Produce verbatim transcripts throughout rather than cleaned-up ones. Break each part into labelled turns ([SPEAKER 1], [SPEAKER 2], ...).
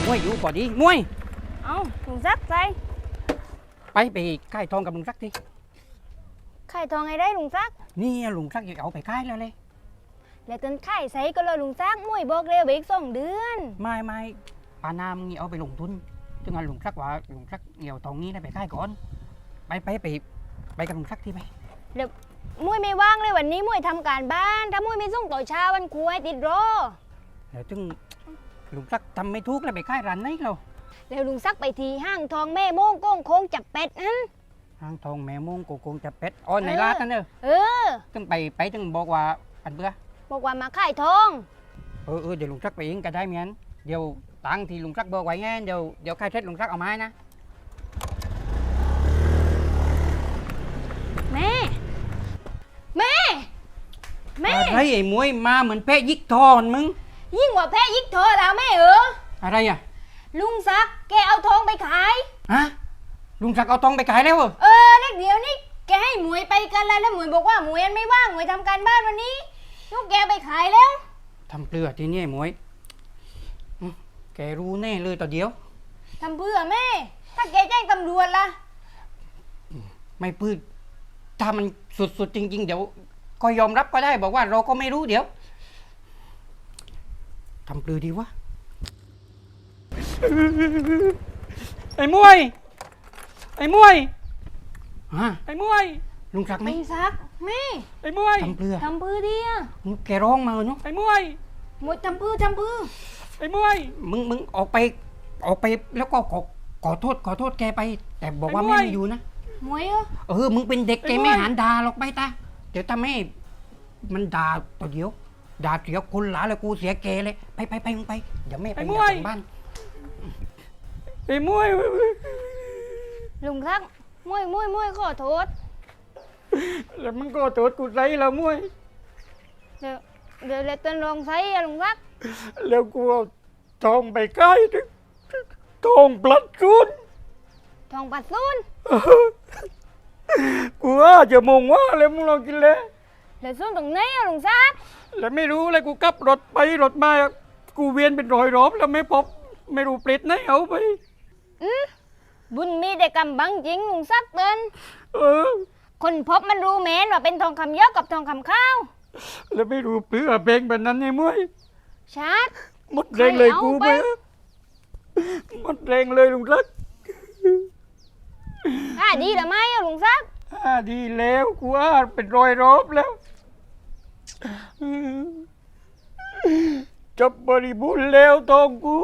[SPEAKER 1] มวยอยู่ก่อนดีมวย
[SPEAKER 2] เอาลุงซักใจ
[SPEAKER 1] ไปไปค่ายทองกับลุงซักที
[SPEAKER 2] ไข่ทองไงได้ลุงซัก
[SPEAKER 1] นี่ลุงซักอยากเอาไปค่ายแล้วเลย
[SPEAKER 2] แล้วต้นไข่ใส่ก็เลยลุงซักมวยบอกเร็วไปอีกสองเดือน
[SPEAKER 1] ไม่ไม่ปานามงี้เอาไปลงทุนจึงงั้นลุงซักว่าลุงซักเหี่ยวทองนี้ได้ไปค่ายก่อนไปไปไปไปกับลุงซักทีไป
[SPEAKER 2] เดี๋ยวมวยไม่ว่างเลยวันนี้มวยทำการบ้านถ้ามวยไม่ส่งต่อเช้าวันครูให้ติดรอ
[SPEAKER 1] เดี๋ยวจึงลุงซักทำไม่ถูกแล้วไปค่ายร้านไหนเรา
[SPEAKER 2] แล้วลุงซักไปทีห้างทองแม่โม่งโก้งโค้งจับเป็ดนั้น
[SPEAKER 1] ห้างทองแม่โม่งโกงจับเป็ดอ๋อในร้านนั่นเนอะ
[SPEAKER 2] เออ
[SPEAKER 1] จึงไปไปจึงบอกว่าอันเบื่อ
[SPEAKER 2] บอกว่ามาค่ายทอง
[SPEAKER 1] เออเออเดี๋ยวลุงซักไปเองก็ได้เหมือนเดี๋ยวตังที่ลุงซักบอกไว้ไงเดี๋ยวเดี๋ยวค่ายเทศลุงซักเอาไม้นะ
[SPEAKER 2] แม่แม่แม่
[SPEAKER 1] อะไรไอ้มวยมาเหมือนแพะยิกทอนมึง
[SPEAKER 2] ยิ่งกว่าแพ้ยิกเธอแล้วแม่เออ
[SPEAKER 1] อะไรอ่ะ
[SPEAKER 2] ลุงซักแกเอาทองไปขาย
[SPEAKER 1] ฮะลุงซักเอาทองไปขายแล้วเหรอ
[SPEAKER 2] เออเด็กเดี๋ยวนี้แกให้หมวยไปกันแล้วแล้วหมวยบอกว่าหมวยไม่ว่างหมวยทำการบ้านวันนี้ลูกแกไปขายแล้ว
[SPEAKER 1] ทำเปลือกทีนี้ไอ้มวยแกรู้แน่เลยต่อเดียว
[SPEAKER 2] ทำเพื่อแม่ถ้าแกแจ้งตำรวจล่ะ
[SPEAKER 1] ไม่ปื้ดถ้ามันสุดๆจริงๆเดี๋ยวก็ยอมรับก็ได้บอกว่าเราก็ไม่รู้เดี๋ยวทำเปลือกดีวะไอ้มวยไอ้มวยฮะไอ้มวยลุงซักไหม
[SPEAKER 2] ลุงซักแม่
[SPEAKER 1] ไอ้มวยทำเปลือก
[SPEAKER 2] ทำเพื่อดิอ่ะ
[SPEAKER 1] แกร้องมาเนาะไอ้มวย
[SPEAKER 2] มวยทำเพื่อทำเพื่อ
[SPEAKER 1] ไอ้มวยมึงมึงออกไปออกไปแล้วก็ขอขอโทษขอโทษแกไปแต่บอกว่าแม่ไม่อยู่นะ
[SPEAKER 2] มวยเอ
[SPEAKER 1] อมึงเป็นเด็กแกไม่หันด่าหรอกไปตาเดี๋ยวถ้าแม่มันด่าต่อเดี๋ยวด่าเสียคนหลาเลยกูเสียแกเลยไปไปไปมึงไปเดี๋ยวแม่ไปจากบ้านไอ้มวย
[SPEAKER 2] ลุงซักมวยมวยมวยขอโทษ
[SPEAKER 1] แล้วมึงก็โทษกูไรแล้วมวย
[SPEAKER 2] เดี๋ยวเดี๋ยวเล็กต้นลองใช้ลุงซัก
[SPEAKER 1] แล้วกูเอาทองไปใกล้ทองปลัดซุน
[SPEAKER 2] ทองปลัดซุน
[SPEAKER 1] กูว่าจะมองว่าแล้วมึงลองกินเลย
[SPEAKER 2] แล้วซุนตรงไหนอะลุงซัก
[SPEAKER 1] แล้วไม่รู้เลยกูขับรถไปรถมากูเวียนเป็นรอยรอบแล้วไม่พบไม่รู้ปลิดไหนเอาไป
[SPEAKER 2] อืมบุญมีแต่กำบังจริงลุงซักเตือน
[SPEAKER 1] เออ
[SPEAKER 2] คนพบมันรู้แม้นว่าเป็นทองคำเยอะกับทองคำข้าว
[SPEAKER 1] แล้วไม่รู้เปลือกเพลงแบบนั้นไงมวย
[SPEAKER 2] ชัด
[SPEAKER 1] หมดแรงเลยกูไปหมดแรงเลยลุงซัก
[SPEAKER 2] อ่าดีหรือไม่อะลุงซัก
[SPEAKER 1] อ่าดีแล้วกูอ่าเป็นรอยรอบแล้วจบบริบูรณ์แล้วทองกู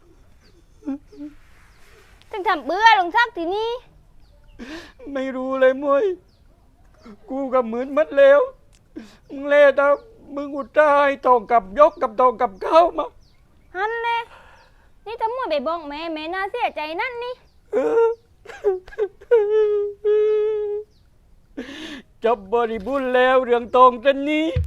[SPEAKER 2] ต้องทำเบื่อลุงซักทีนี้
[SPEAKER 1] ไม่รู้เลยมวยกูก็เหมือนมัดแล้วมึงเล่ตามึงอุตส่าห์ทองกับยกกับทองกับเข้ามา
[SPEAKER 2] ฮันเลยนี่ทำมวยไปบอกแม่แม่น่าเสียใจนั่นนี่
[SPEAKER 1] จบบริบูรณ์แล้วเรื่องทองเส้นนี้